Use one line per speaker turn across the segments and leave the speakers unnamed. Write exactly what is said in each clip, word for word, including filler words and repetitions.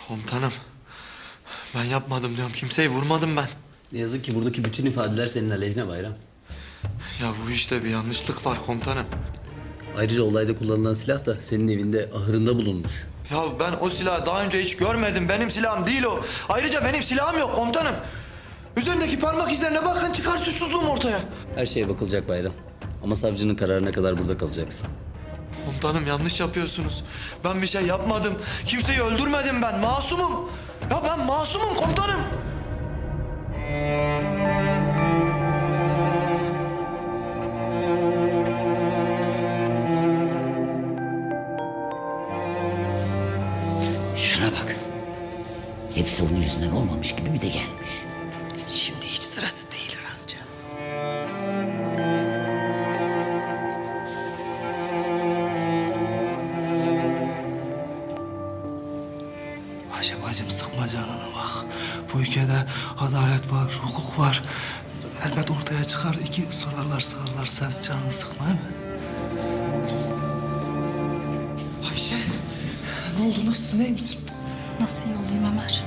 Komutanım, ben yapmadım diyorum. Kimseyi vurmadım ben.
Ne yazık ki buradaki bütün ifadeler senin aleyhine Bayram.
Ya bu işte bir yanlışlık var komutanım.
Ayrıca olayda kullanılan silah da senin evinde ahırında bulunmuş.
Ya ben o silahı daha önce hiç görmedim. Benim silahım değil o. Ayrıca benim silahım yok komutanım. Üzerindeki parmak izlerine bakın, çıkar suçsuzluğum ortaya.
Her şeye bakılacak Bayram. Ama savcının kararına kadar burada kalacaksın.
Komutanım yanlış yapıyorsunuz. Ben bir şey yapmadım. Kimseyi öldürmedim ben. Masumum. Ya ben masumum komutanım.
Şuna bak. Hepsi onun yüzünden olmamış gibi bir de gelmiş.
Şimdi hiç sırası değil Razca.
Ayşe bacım sıkma canına bak. Bu ülkede adalet var, hukuk var. Elbet ortaya çıkar. İki sorarlar sorarlar. Sen canını sıkma değil mi? Ayşe ne oldu? Nasılsın? İyi misin?
Nasıl iyi olayım Ömer?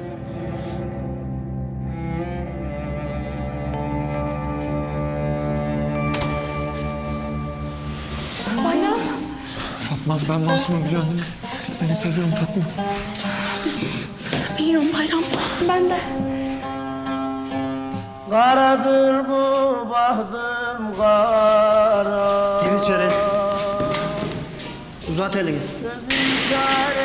Bayram.
Fatma ben masumum biliyorsun değil mi? Seni seviyorum Fatma.
Biliyorum Bayram. Ben de.
Karadır bu bahtım kara.
Gir içeri. Uzat elini.
Gözüm